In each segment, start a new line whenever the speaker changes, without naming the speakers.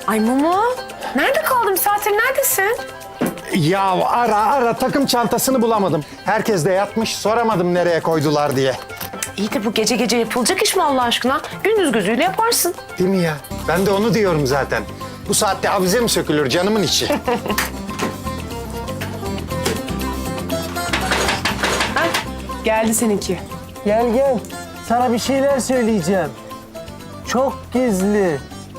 Ay Mumu, nerede kaldın? Bir saattir neredesin?
Ya ara takım çantasını bulamadım. Herkes de yatmış, soramadım nereye koydular diye.
İyi de bu gece gece yapılacak iş mi Allah aşkına? Gündüz gözüyle yaparsın.
Değil mi ya? Ben de onu diyorum zaten. Bu saatte avize mi sökülür canımın içi?
Hah, geldi seninki.
Gel gel. Sana bir şeyler söyleyeceğim. Çok gizli.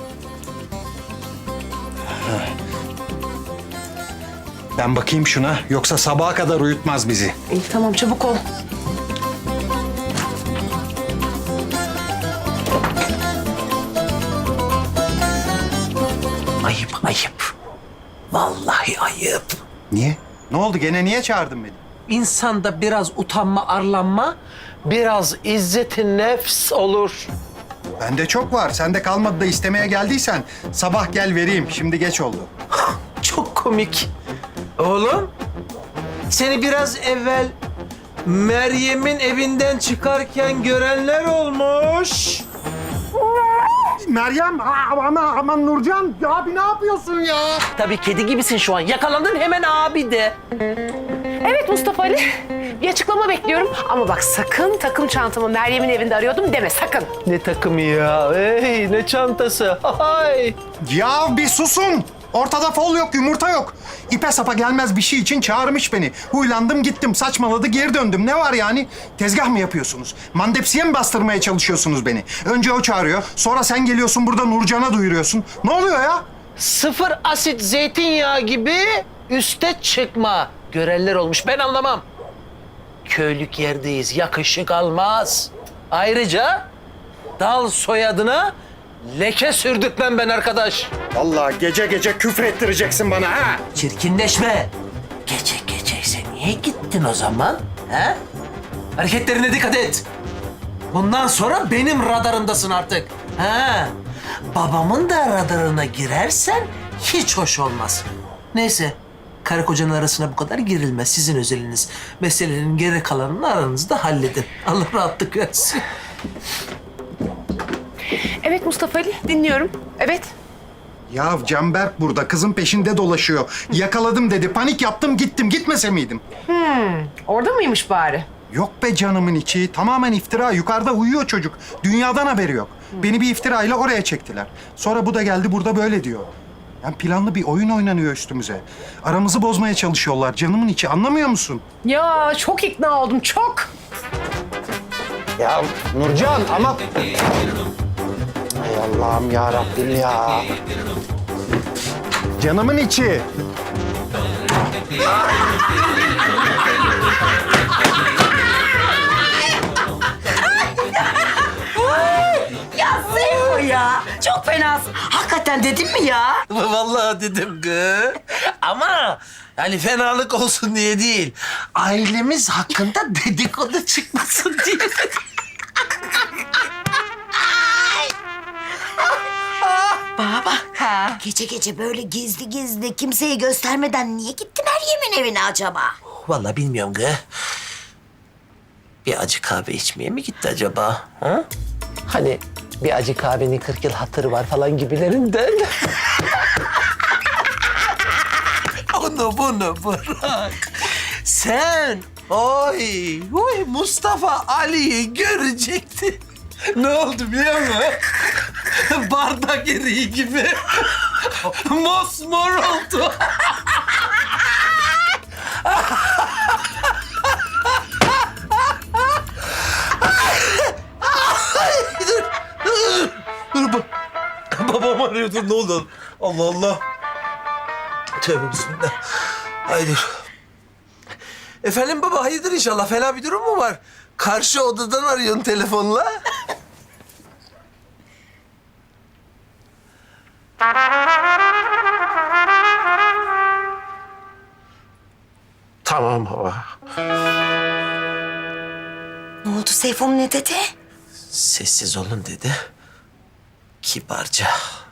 Ben bakayım şuna, yoksa sabaha kadar uyutmaz bizi.
İyi tamam çabuk ol.
Ayıp ayıp. Vallahi ayıp.
Niye? Ne oldu? Gene niye çağırdın beni?
İnsanda biraz utanma, arlanma, biraz izzeti nefs olur.
Bende çok var. Sende kalmadı da istemeye geldiysen sabah gel vereyim. Şimdi geç oldu.
Çok komik. Oğlum, seni biraz evvel Meryem'in evinden çıkarken görenler olmuş.
Meryem, aman Nurcan. Ya abi ne yapıyorsun ya?
Tabii kedi gibisin şu an. Yakalandın hemen abi de.
Evet Mustafa Ali, bir açıklama bekliyorum. Ama bak sakın takım çantamı Meryem'in evinde arıyordum deme sakın.
Ne takımı ya? Hey, ne çantası? Hay.
Ya bir susun. Ortada fol yok, yumurta yok. İpe sapa gelmez bir şey için çağırmış beni. Huylandım gittim, saçmaladı geri döndüm. Ne var yani? Tezgah mı yapıyorsunuz? Mandepsiye mi bastırmaya çalışıyorsunuz beni? Önce o çağırıyor, sonra sen geliyorsun burada Nurcan'a duyuruyorsun. Ne oluyor ya?
Sıfır asit zeytinyağı gibi üste çıkma. Görenler olmuş. Ben anlamam. Köylük yerdeyiz. Yakışık almaz. Ayrıca dal soyadına leke sürdürtmem ben arkadaş.
Vallahi gece gece küfür ettireceksin bana ha.
Çirkinleşme. Gece geceyse niye gittin o zaman? He? Hareketlerine dikkat et. Bundan sonra benim radarımdasın artık. Ha? Babamın da radarına girersen hiç hoş olmaz. Neyse. Karı kocanın arasına bu kadar girilmez. Sizin özeliniz. Meselenin geri kalanını aranızda halledin. Allah rahatlık versin.
Evet Mustafa Ali, dinliyorum. Evet.
Ya Canberk burada, kızın peşinde dolaşıyor. Yakaladım dedi, panik yaptım gittim. Gitmese miydim?
Orada mıymış bari?
Yok be canımın içi. Tamamen iftira. Yukarıda uyuyor çocuk. Dünyadan haberi yok. Beni bir iftirayla oraya çektiler. Sonra bu da geldi burada böyle diyor. Yani planlı bir oyun oynanıyor üstümüze. Aramızı bozmaya çalışıyorlar canımın içi. Anlamıyor musun?
Ya çok ikna oldum, çok.
Ya Nurcan ama... Hay Allah'ım ya Rabbim ya. Canımın içi.
Ya Seyfo ya. Çok fenasın. Hakikaten dedim mi ya?
Vallahi dedim kız. Ama yani fenalık olsun diye değil. Ailemiz hakkında dedikodu çıkmasın diye.
Bana bak. Gece gece böyle gizli gizli kimseye göstermeden niye gitti Meryem'in evine acaba?
Vallahi bilmiyorum kız. Bir acı kahve içmeye mi gitti acaba? Ha? Hani bir acı kahvenin 40 yıl hatırı var falan gibilerinden. Onu bunu bırak. Sen oy Mustafa Ali'yi görecektin. Ne oldu biliyor musun? Bardak eriği gibi. Mosmor oldu. Dur. Babam arıyor. Dur ne oldu? Allah Allah. Tövbe bismillah. Hayırdır. Efendim baba hayırdır inşallah. Fena bir durum mu var? Karşı odadan arıyorsun telefonla. Tamam baba.
Ne oldu Seyfo'm ne dedi?
Sessiz olun dedi. Kibarca.